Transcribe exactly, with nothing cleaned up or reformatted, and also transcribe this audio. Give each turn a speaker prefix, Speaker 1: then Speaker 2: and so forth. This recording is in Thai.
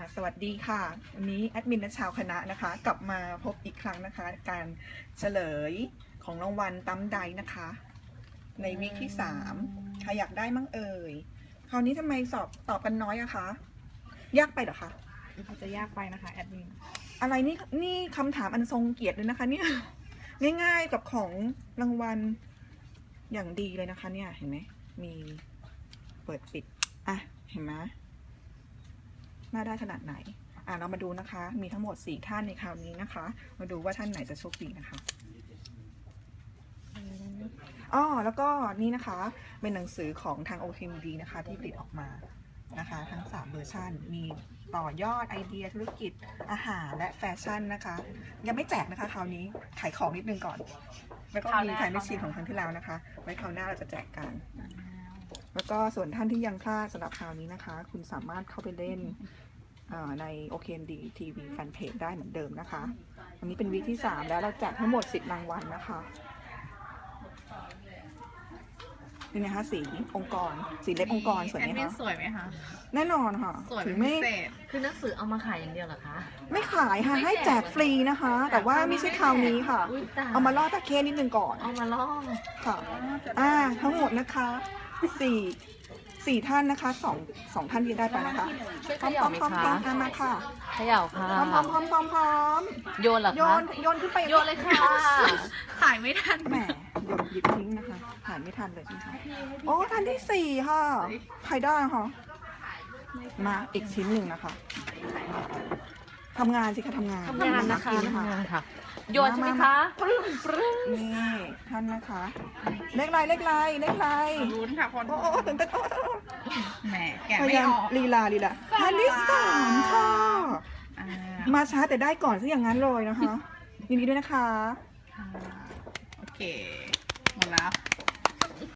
Speaker 1: สวัสดีค่ะวันนี้แอดมินและชาวคณะนะคะ กลับมาพบอีกครั้งนะคะ การเฉลยของรางวัลตั้มไดนะคะ ในวีคที่สามใครอยากได้มั่งเอ่ยคราวนี้ทำไมสอบตอบกันน้อยอะคะยากไปเหรอคะ
Speaker 2: มันจะยากไปนะคะแอดมิน
Speaker 1: อะไรนี่นี่คำถามอันทรงเกียรติเลยนะคะเนี่ยง่ายๆกับของรางวัลอย่างดีเลยนะคะ เนี่ยเห็นไหมมีเปิดปิดอ่ะเห็นไหมน่าได้ขนาดไหนอ่ะเรามาดูนะคะ มีทั้งหมดสี่ท่านในคราวนี้นะคะ มาดูว่าท่านไหนจะโชคดีนะคะอ๋อแล้วก็นี่นะคะเป็นหนังสือของทาง โอ เค เอ็ม ดี นะคะที่ผลิตออกมานะคะทั้งสามเวอร์ชันมีต่อยอดไอเดียธุรกิจอาหารและแฟชั่นนะคะยังไม่แจกนะคะคราวนี้ขายของนิดนึงก่อนแล้วก็มีขายแมชชีนของครั้งที่แล้วนะคะไว้คราวหน้าเราจะแจกกันแล้วก็ส่วนท่านที่ยังพลาดสำหรับคราวนี้นะคะ คุณสามารถเข้าไปเล่นใน โอ เค เอ็ม ดี ที วี แฟนเพจได้เหมือนเดิมนะคะวันนี้เป็นวีคที่สามแล้วเราแจกทั้งหมดสิบรางวัลนะคะนี่นะคะสีองค์กรสีเล็บองค์กรสวยไหม
Speaker 2: แอดมิน
Speaker 1: คะ
Speaker 2: สวยไหมคะ
Speaker 1: แน่นอนค่ะ
Speaker 2: สวย
Speaker 1: ถึ
Speaker 2: เป็น
Speaker 1: งไม่
Speaker 2: พิเศษ
Speaker 3: คือหนังสือเอามาขายอย่างเดียวเหรอคะ
Speaker 1: ไม่ขายค่ะให้แจกฟรีนะคะ แต่ว่าไม่ใช่คราวนี้ค่ะ
Speaker 3: อุ๊ยตาย
Speaker 1: เอามาล่อตะเคนิดนึงก่อน
Speaker 3: เอามาล่อ
Speaker 1: ค่ะอ่าทั้งหมดนะคะสี่สี่ท่านนะคะสองสองท่านที่ได้ไปนะคะ
Speaker 3: ช่วย
Speaker 1: พ
Speaker 3: เข
Speaker 1: ร้อม
Speaker 3: ย่า
Speaker 1: พร้อม
Speaker 3: ไหม
Speaker 1: พร้อมพร้อม
Speaker 3: คะ
Speaker 1: มาค่ะ
Speaker 3: เขย่าค่ะ
Speaker 1: พร้อมพร้อมพร้อมพร้อมพร้อม
Speaker 3: โยนเหรอ
Speaker 1: โย
Speaker 3: คะ
Speaker 1: นโยนขึ้นไป
Speaker 3: โยนเลยค่ะ
Speaker 2: ถ่ายไม่ทัน
Speaker 1: แหมโยนหยิบทิ้งนะคะถ่ายไม่ทันเลยใช่ไหมคะโอ้ท่านที่สี่ค่ะใครได้คะมาอีกชิ้นหนึ่งนะคะทำงานสิคะทำงาน
Speaker 3: ทำงานนะคะ
Speaker 1: กิ
Speaker 3: ทำ
Speaker 1: ค่ะ
Speaker 3: งานค่ะ โยนใช่ไหมคะ
Speaker 1: ปรึ้งปรึ้งนี่ท่านนะคะ เลขไรเลขไรเลขไร
Speaker 2: ลุ้นค่ะคน
Speaker 1: โอ้โอ้ตื่นเต้นโอ้โอ้
Speaker 2: แหมแกะ
Speaker 1: พ
Speaker 2: ไม่
Speaker 1: ยายาม
Speaker 2: ออก
Speaker 1: ลีลาลีลาท่านที่สามค่ะ
Speaker 2: อ่า
Speaker 1: มาช้าแต่ได้ก่อนซะอย่างนั้นเลยนะคะยินดีด้วยนะคะ
Speaker 2: โอเค หมดแล้ว